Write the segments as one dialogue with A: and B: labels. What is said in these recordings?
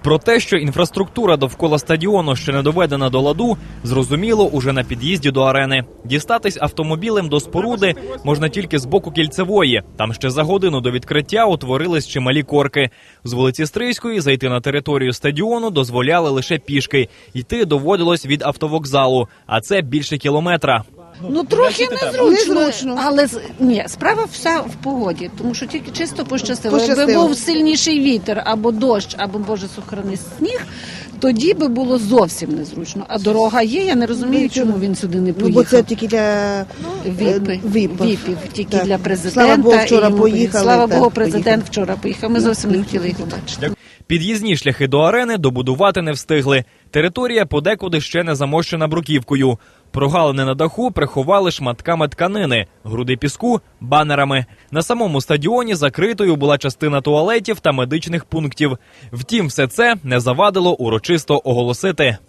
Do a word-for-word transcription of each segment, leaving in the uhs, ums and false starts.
A: Про те, що інфраструктура довкола стадіону ще не доведена до ладу, зрозуміло уже на під'їзді до арени. Дістатись автомобілем до споруди можна тільки з боку Кільцевої. Там ще за годину до відкриття утворились чималі корки. З вулиці Стрийської зайти на територію стадіону дозволяли лише пішки. Йти доводилось від автовокзалу, а це більше кілометра.
B: Ну, трохи незручно, незручно. але ні, справа вся в погоді, тому що тільки чисто пощастило. Якби був сильніший вітер, або дощ, або, Боже, сохрани, сніг, тоді би було зовсім незручно. А дорога є, я не розумію, чому він сюди не поїхав.
C: Ну, бо це тільки для
B: Віпи,
C: віпів.
B: віпів, тільки
C: так.
B: для президента.
C: Слава Богу, вчора поїхали.
B: Слава
C: так,
B: Богу, президент
C: поїхали.
B: вчора поїхав. Ми зовсім не хотіли їх бачити.
A: Під'їзні шляхи до арени добудувати не встигли. Територія подекуди ще не замощена бруківкою. Прогалини на даху приховали шматками тканини, груди піску – банерами. На самому стадіоні закритою була частина туалетів та медичних пунктів. Втім, все це не завадило урочисто оголосити.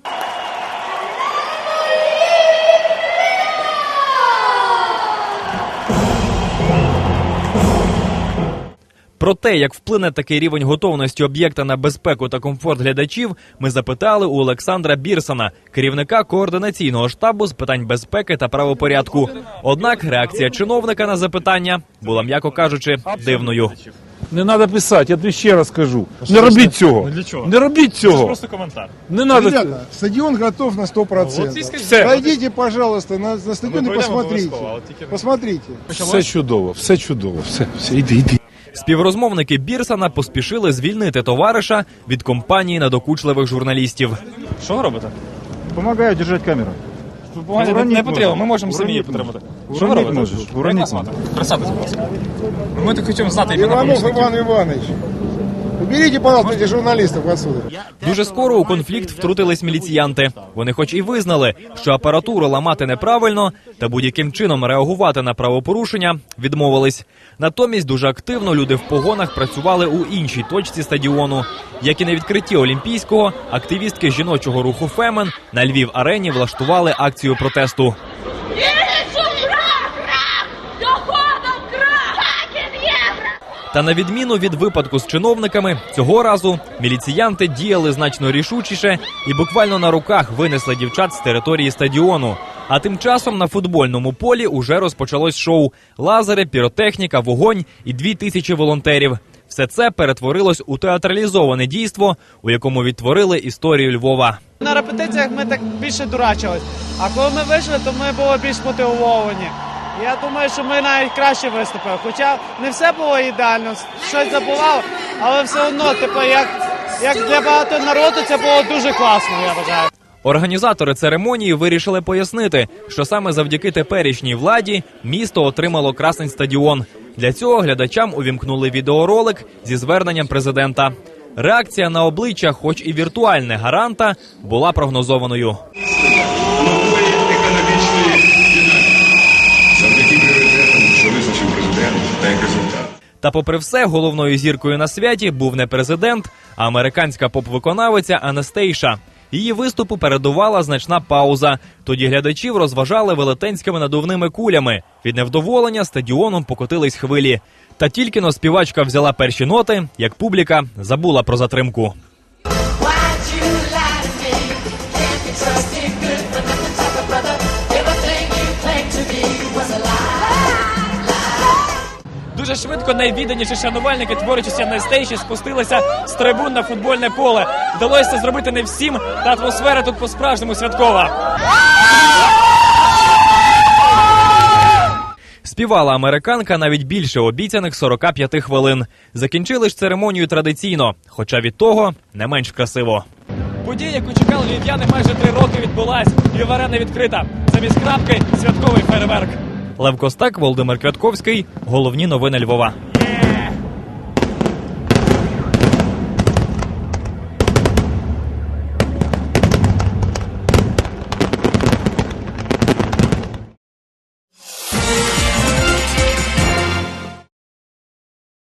A: Про те, як вплине такий рівень готовності об'єкта на безпеку та комфорт глядачів, ми запитали у Олександра Бірсона, керівника координаційного штабу з питань безпеки та правопорядку. Однак реакція чиновника на запитання була, м'яко кажучи, дивною.
D: Не треба писати, я тобі ще раз кажу. Не робіть цього. Не робіть цього.
E: Це просто коментар.
D: Не надо.
F: Ребята, стадион готов на сто процентов.
D: Все.
F: Пройдите, пожалуйста, на, на стадион и посмотрите. Посмотрите.
D: Все чудово, все чудово. Все, все, іди, іди.
A: Співрозмовники Бірсона поспішили звільнити товариша від компанії надокучливих журналістів.
E: Що ви робите?
F: Помогаю держать камеру.
E: Помагайте, не, не потрібно, ми можемо самі її підтримати. Що ви робите?
F: можеш, уронити можеш.
E: Присадьтесь, будь ласка. Ми так хочемо знати імена
F: Иванов
E: помічників.
F: Иван Иванович. Уберите, пожалуйста, этих журналистов отсюда.
A: Дуже скоро у конфлікт втрутились міліціянти. Вони хоч і визнали, що апаратуру ламати неправильно, та будь-яким чином реагувати на правопорушення відмовились. Натомість дуже активно люди в погонах працювали у іншій точці стадіону. Як і на відкритті Олімпійського, активістки жіночого руху «Фемен» на Львів-арені влаштували акцію протесту. Та на відміну від випадку з чиновниками, цього разу міліціянти діяли значно рішучіше і буквально на руках винесли дівчат з території стадіону. А тим часом на футбольному полі уже розпочалось шоу. Лазери, піротехніка, вогонь і дві тисячі волонтерів. Все це перетворилось у театралізоване дійство, у якому відтворили історію Львова.
G: На репетиціях ми так більше дурачились, а коли ми вийшли, то ми були більш мотивовані. Я думаю, що ми навіть краще виступили. Хоча не все було ідеально, щось забувало, але все одно, типу, як, як для багато народу це було дуже класно, я вважаю.
A: Організатори церемонії вирішили пояснити, що саме завдяки теперішній владі місто отримало красний стадіон. Для цього глядачам увімкнули відеоролик зі зверненням президента. Реакція на обличчя, хоч і віртуальне гаранта, була прогнозованою. Та попри все, головною зіркою на святі був не президент, а американська поп-виконавиця Анастейша. Її виступу передувала значна пауза. Тоді глядачів розважали велетенськими надувними кулями. Від невдоволення стадіоном покотились хвилі. Та тільки-но співачка взяла перші ноти, як публіка забула про затримку.
E: Дуже швидко найвідданіші шанувальники творчості Анастейші спустилися з трибун на футбольне поле. Вдалося це зробити не всім, та атмосфера тут по-справжньому святкова.
A: Співала американка навіть більше обіцяних сорока п'яти хвилин. Закінчили ж церемонію традиційно, хоча від того не менш красиво.
E: Подія, яку чекали львів'яни майже три роки, відбулась. Львів-арена відкрита. Замість крапки – святковий фейерверк.
A: Лев Костак, Володимир Квятковський. Головні новини Львова.